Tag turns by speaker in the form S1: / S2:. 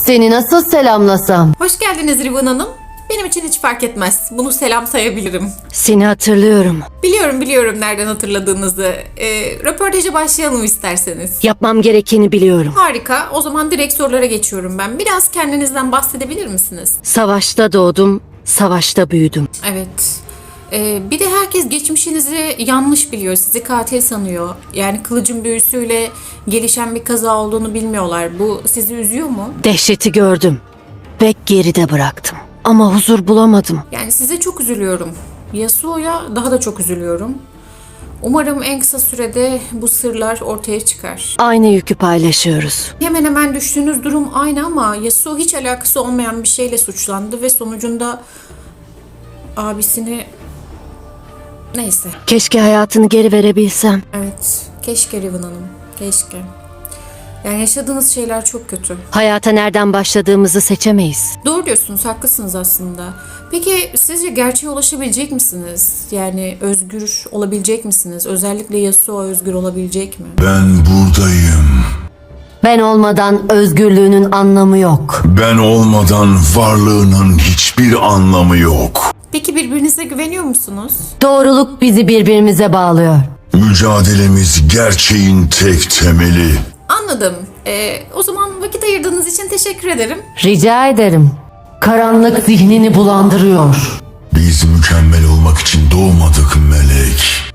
S1: Seni nasıl selamlasam?
S2: Hoş geldiniz Rivan Hanım. Benim için hiç fark etmez. Bunu selam sayabilirim.
S1: Seni hatırlıyorum.
S2: Biliyorum nereden hatırladığınızı. Röportaja başlayalım isterseniz.
S1: Yapmam gerekeni biliyorum.
S2: Harika. O zaman direkt sorulara geçiyorum ben. Biraz kendinizden bahsedebilir misiniz?
S1: Savaşta doğdum, savaşta büyüdüm.
S2: Evet. Bir de herkes geçmişinizi yanlış biliyor. Sizi katil sanıyor. Yani kılıcın büyüsüyle gelişen bir kaza olduğunu bilmiyorlar. Bu sizi üzüyor mu?
S1: Dehşeti gördüm ve geride bıraktım. Ama huzur bulamadım.
S2: Yani size çok üzülüyorum. Yasuo'ya daha da çok üzülüyorum. Umarım en kısa sürede bu sırlar ortaya çıkar.
S1: Aynı yükü paylaşıyoruz.
S2: Hemen hemen düştüğünüz durum aynı ama Yasuo hiç alakası olmayan bir şeyle suçlandı ve sonucunda abisini... Neyse.
S1: Keşke hayatını geri verebilsem.
S2: Evet. Keşke Riven Hanım. Keşke. Yani yaşadığınız şeyler çok kötü.
S1: Hayata nereden başladığımızı seçemeyiz.
S2: Doğru diyorsunuz, haklısınız aslında. Peki sizce gerçeğe ulaşabilecek misiniz? Yani özgür olabilecek misiniz? Özellikle Yasuo özgür olabilecek mi?
S3: Ben buradayım.
S1: Ben olmadan özgürlüğünün anlamı yok.
S3: Ben olmadan varlığının hiçbir anlamı yok.
S2: Peki birbirinize güveniyor musunuz?
S1: Doğruluk bizi birbirimize bağlıyor.
S3: Mücadelemiz gerçeğin tek temeli.
S2: Anladım. O zaman vakit ayırdığınız için teşekkür ederim.
S1: Rica ederim. Karanlık zihnini bulandırıyor.
S3: Biz mükemmel olmak için doğmadık melek.